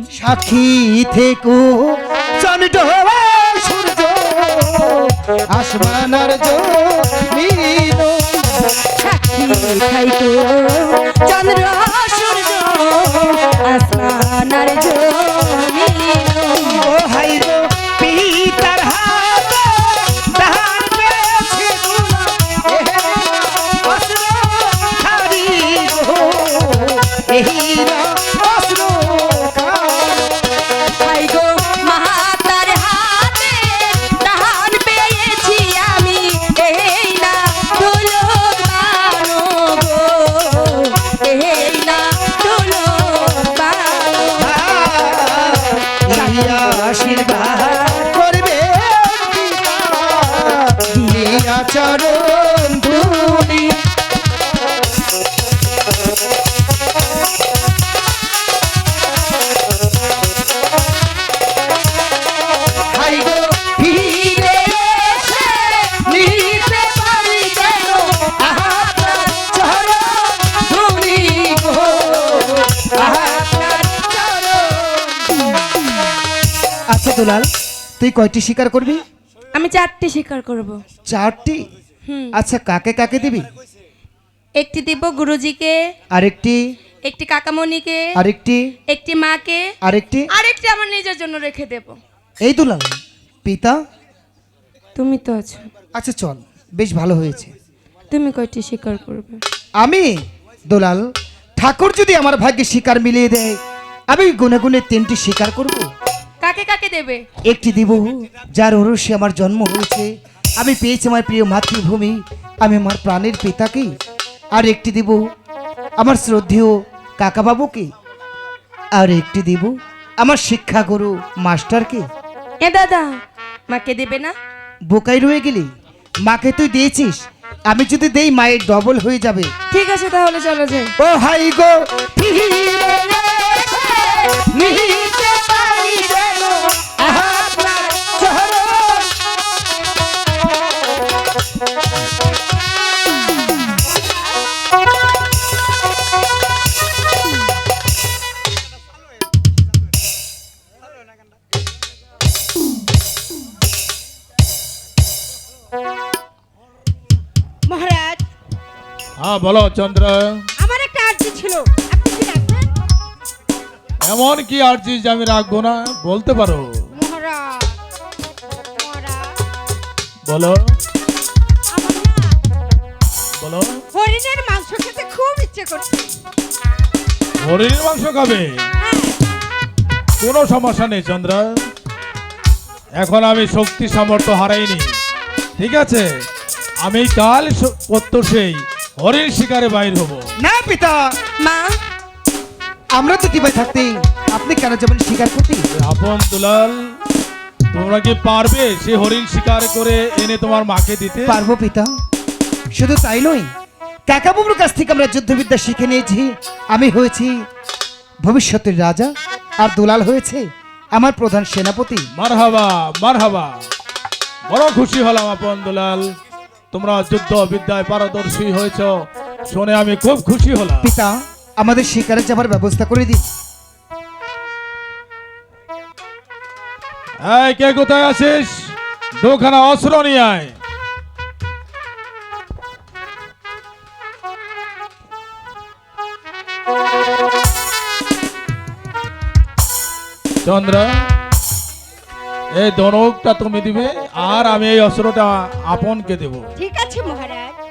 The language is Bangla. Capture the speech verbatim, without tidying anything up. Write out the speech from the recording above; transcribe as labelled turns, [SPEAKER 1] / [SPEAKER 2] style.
[SPEAKER 1] সাক্ষী থেকো চন্দ্র সূর্য আসমান আর জমিন
[SPEAKER 2] সাক্ষী থাইকো চন্দ্র সূর্য আসমান আর জমিন।
[SPEAKER 1] ও হাই গো পিতার হাতে দান পেয়েছি অস্ত্র হারি গো এই না অস্ত্র
[SPEAKER 2] হাই গো মাতার হাতে দান পেয়েছি আমি এই না দুলক বানো গো এই না দুলক বানো।
[SPEAKER 1] আশীর্বাদ করবে দিয়া চরণ ধুলি হাই গো ফিরে এসে নিতে পারি যেন আপনার চরণ ধুলি গো আপনার চরণ। আচ্ছা দুলাল, তুই কয়টি শিকার করবি?
[SPEAKER 2] আমি চারটি শিকার করব।
[SPEAKER 1] চারটি?
[SPEAKER 2] হুম।
[SPEAKER 1] আচ্ছা, কাকে কাকে দিবি?
[SPEAKER 2] একটি দিব গুরুজিকে,
[SPEAKER 1] আরেকটি?
[SPEAKER 2] একটি কাকামণিকে,
[SPEAKER 1] আরেকটি?
[SPEAKER 2] একটি মাকে,
[SPEAKER 1] আরেকটি?
[SPEAKER 2] আরেকটি আমার নিজের জন্য রেখে দেব।
[SPEAKER 1] এই দুলাল, পিতা?
[SPEAKER 2] তুমি তো আছো।
[SPEAKER 1] আচ্ছা চল, বেশ ভালো হয়েছে।
[SPEAKER 2] তুমি কয়টি শিকার করবে?
[SPEAKER 1] আমি দুলাল, ঠাকুর যদি আমার ভাগ্যে শিকার মিলিয়ে দেয় আমি গুনে গুনে তিনটি শিকার করব।
[SPEAKER 2] কাকে কাকে দেবে?
[SPEAKER 1] একটি দিব যার ওরসে আমার জন্ম হয়েছে, আমি পেয়েছি আমার প্রিয় মাতৃভূমি, আমি আমার প্রাণের পিতাকে। আর একটি দিব আমার শ্রদ্ধেয় কাকাবাবুকে। আর একটি দিব আমার শিক্ষাগুরু মাস্টারকে।
[SPEAKER 2] এ দাদা, মাকে দেবে না?
[SPEAKER 1] বোকাই রয়ে গেলি, মাকে তুই দিয়েছিস, আমি যদি দেই মায়ের ডবল হয়ে যাবে।
[SPEAKER 2] ঠিক আছে, তাহলে চলো যাই।
[SPEAKER 1] ও হাই গো ফিরে এসে নিতে পারি যেন আপনার চরণ।
[SPEAKER 3] মহারাজ,
[SPEAKER 4] হ্যাঁ বলো চন্দ্র।
[SPEAKER 3] আমার একটা আর্জি ছিল, আপনি কি রাখবেন?
[SPEAKER 4] এমন কি আর্জি যে আমি রাখবো না, বলতে পারো।
[SPEAKER 3] মহারাজ, মহারাজ,
[SPEAKER 4] বলো
[SPEAKER 3] আমার না
[SPEAKER 4] বলো।
[SPEAKER 3] হরিণের মাংস খেতে খুব ইচ্ছে করছে।
[SPEAKER 4] হরিণের মাংস খাবে?
[SPEAKER 3] হ্যাঁ,
[SPEAKER 4] কোনো সমস্যা নেই চন্দ্র, এখন আমি শক্তি সামর্থ্য হারাইনি। ঠিক আছে, আমি কাল প্রত্যুষেই হরিণ শিকারে বাইর হব।
[SPEAKER 1] না পিতা,
[SPEAKER 2] মা,
[SPEAKER 1] আমরা তো টিপাই থাকতে আপনি কেন যাবেন শিকার করতে?
[SPEAKER 4] আপন দুলাল, তোমরা কি পারবে সে হরিণ শিকার করে এনে তোমার মাকে দিতে?
[SPEAKER 1] পারবো পিতা, শুধু তাই নয়, কাকাবাবুর কাছ থেকে আমরা যুদ্ধবিদ্যা শিখে নিয়েছি। আমি হয়েছি ভবিষ্যতের রাজা, আর দুলাল হয়েছে আমার প্রধান সেনাপতি।
[SPEAKER 4] মারহাবা মারহাবা, বড় খুশি হলাম আপন দুলাল, তোমরা যুদ্ধ বিদ্যায় পারদর্শী হয়েছ শুনে আমি খুব খুশি হলাম।
[SPEAKER 1] পিতা, আমাদের শিকারে যাবার ব্যবস্থা করে দিন।
[SPEAKER 4] এই কে কোথায় আছিস? দুখানা অস্ত্র নিয়ে আয়। চন্দ্র, এই ধনুকটা তুমি দিবে আর আমি এই অস্ত্রটা আপনকে দেব।
[SPEAKER 3] ঠিক আছে মহারাজ।